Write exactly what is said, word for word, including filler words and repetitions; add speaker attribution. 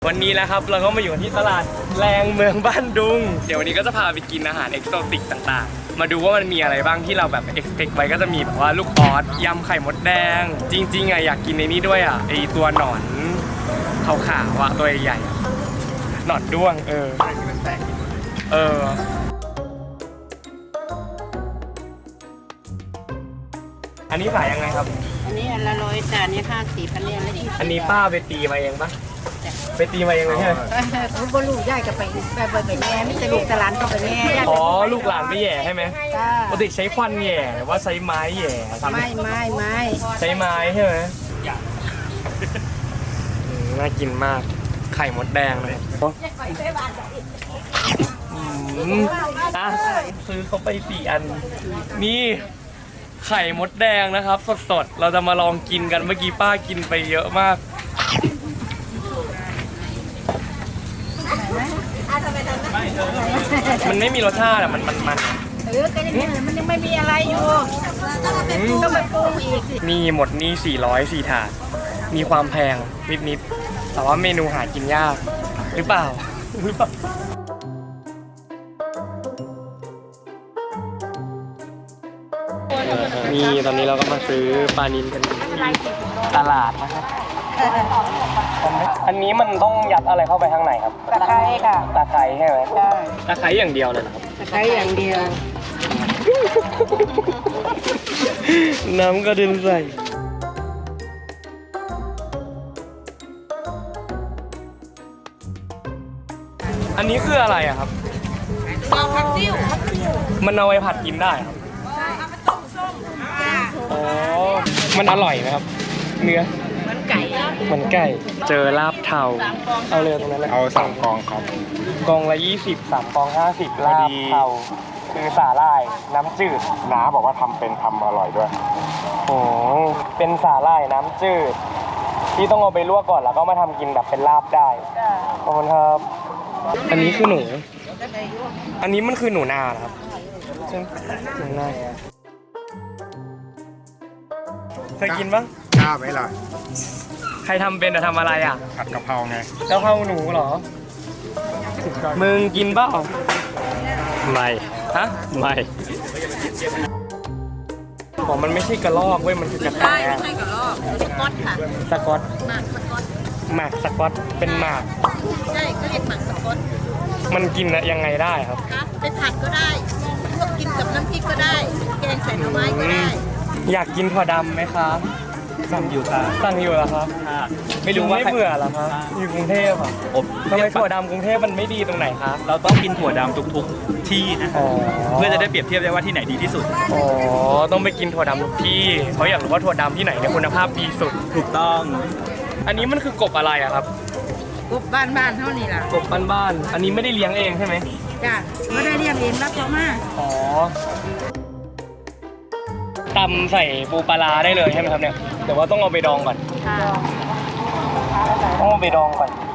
Speaker 1: วันนี้นะครับเราก็มาอยู่ที่ตลาดแรงเมืองบ้านดุงเดี๋ยววันนี้ก็จะพาไปกินอาหารเอกโซติกต่างๆมาดูว่ามันมีอะไรบ้างที่เราแบบเอ็กซ์เพคไว้ก็จะมีแบบว่าลูกออสยำไข่มดแดงจริงๆอ่ะอยากกินในนี้ด้วยอ่ะไอตัวหนอนขาวๆอ่ะตัวใหญ่ๆหนอนด้วงเออเอออันนี้ขายยังไงครับ
Speaker 2: อันนี้อันละร้อยจานนี้ห้าสิบอันนี้อันละยี่สิบ
Speaker 1: อันนี้ป้าไปตีมาเองปะไปตีมาเองเลยใช่ไหม
Speaker 2: คุณบลูกย่ายกับไปไปไปไปแง่ไม่ใช่ลูกตลาดก็ไปแง่
Speaker 1: อ๋อลูกหลานไปแย่ใช่ไหมปกติใช้ควันแย่หรือว่าใช้ไม้แย่ทำ
Speaker 2: ไม่ไม่ไม่
Speaker 1: ใช้ไม้ใช่ไหมน่ากินมากไข่มดแดงเลยอ่ะซื้อเขาไปสี่อันนี่ไข่มดแดงนะครับสดๆเราจะมาลองกินกันเมื่อกี้ป้ากินไปเยอะมากมันไม่มีรสชาติอะมันมันมัน
Speaker 2: เออก็ยังมันยังไม่มีอะไรอยู่ต้องไปปรุงอีก
Speaker 1: นี่หมดนี่สี่ร้อยสี่ถาดมีความแพงนิดๆแต่ว่าเมนูหากินยากหรือเปล่าหรือเปล่านี่ตอนนี้เราก็มาซื้อปลานิลกันตลาดนะครับอันนี้มันต้องยัดอะไรเข้าไปข้างในครับ
Speaker 2: ตะไคร้ค่ะ
Speaker 1: ตะไคร้ใช่ไหม
Speaker 2: ใช่
Speaker 1: ตะไคร้อย่างเดียวเลยครับ
Speaker 2: ตะไคร้อย่างเดียว
Speaker 1: น้ำกระเด็นใส่อันนี้คืออะไรอะครับ
Speaker 2: เอาผักติ้ว
Speaker 1: มันเอาไปผัดกินได้ครับอ๋อมันอร่อยไหมครับเนื้อ
Speaker 2: เหมือนไก่
Speaker 1: เหมือนไก่เจอลาบเทาเอาเรือตรงนั้นเลย
Speaker 3: เอาสามกองครับ
Speaker 1: กองละยี่สิบสามกองห้าสิบลาบเทาคือสาหร่ายน้ำจืด
Speaker 3: น้าบอกว่าทำเป็นทำอร่อยด้วย
Speaker 1: โอ้เป็นสาหร่ายน้ำจืดที่ต้องเอาไปลวกก่อนแล้วก็มาทำกินแบบเป็นลาบได้ขอบคุณครับอันนี้คือหนูอันนี้มันคือหนูนาเหรอครับหนูนาเคยกินปะ
Speaker 3: กล้าไหมล่ะ
Speaker 1: ใครทำเป็นจะทำอะไรอ่ะ
Speaker 3: ผัดกะเพราไง
Speaker 1: กะเพราหนูเหรอมึงกินเปล่า
Speaker 3: ไม่
Speaker 1: ฮะ
Speaker 3: ไม่
Speaker 1: บอกมันไม่ใช่กระรอกเว้ยมันคือกระแต
Speaker 2: ไม่ใช่กระรอกสก๊อตค่ะ
Speaker 1: สก๊อต
Speaker 2: หมากสก๊อต
Speaker 1: หมากสก๊อตเป็นหมาก
Speaker 2: ใช่ก็เรียกหมากสก๊อต
Speaker 1: มันกินยังไงได้ครับ
Speaker 2: ครับไปผัดก็ได้พวกกินกับน้ำพริกก็ได้แกงใส่หน่อไม้ก็ได้
Speaker 1: อยากกินถั่วดำไหมคะ
Speaker 3: สั่งอยู่ค่ะ
Speaker 1: สั่งอยู่เหรอครับไม่รู้ว่าไม่เบื่อเหรอครับอยู่กรุงเทพอ่ะทำไมถั่วดำกรุงเทพมันไม่ดีตรงไหนครับ
Speaker 3: เราต้องกินถั่วดำทุกๆที่นะเพื่อจะได้เปรียบเทียบได้ว่าที่ไหนดีที่สุด
Speaker 1: อ๋อต้องไปกินถั่วดำทุกที่เขาอยากรู้ว่าถั่วดำที่ไหนเนี่ยคุณภาพดีสุด
Speaker 3: ถูกต้อง
Speaker 1: อันนี้มันคือกบอะไรอะครับ
Speaker 2: กบบ้านบ้านเท่านี้ล่ะ
Speaker 1: กบบ้านๆอันนี้ไม่ได้เลี้ยงเองใช่ไหม
Speaker 2: จ้ะไม่ได้เลี้ยงเองรับเขามา
Speaker 1: อ๋อตำใส่ปูปลาได้เลยใช่ไหมครับเนี่ยแต่ว่าต้องเอาไปดองก่อนต้องเอาไปดองก่อน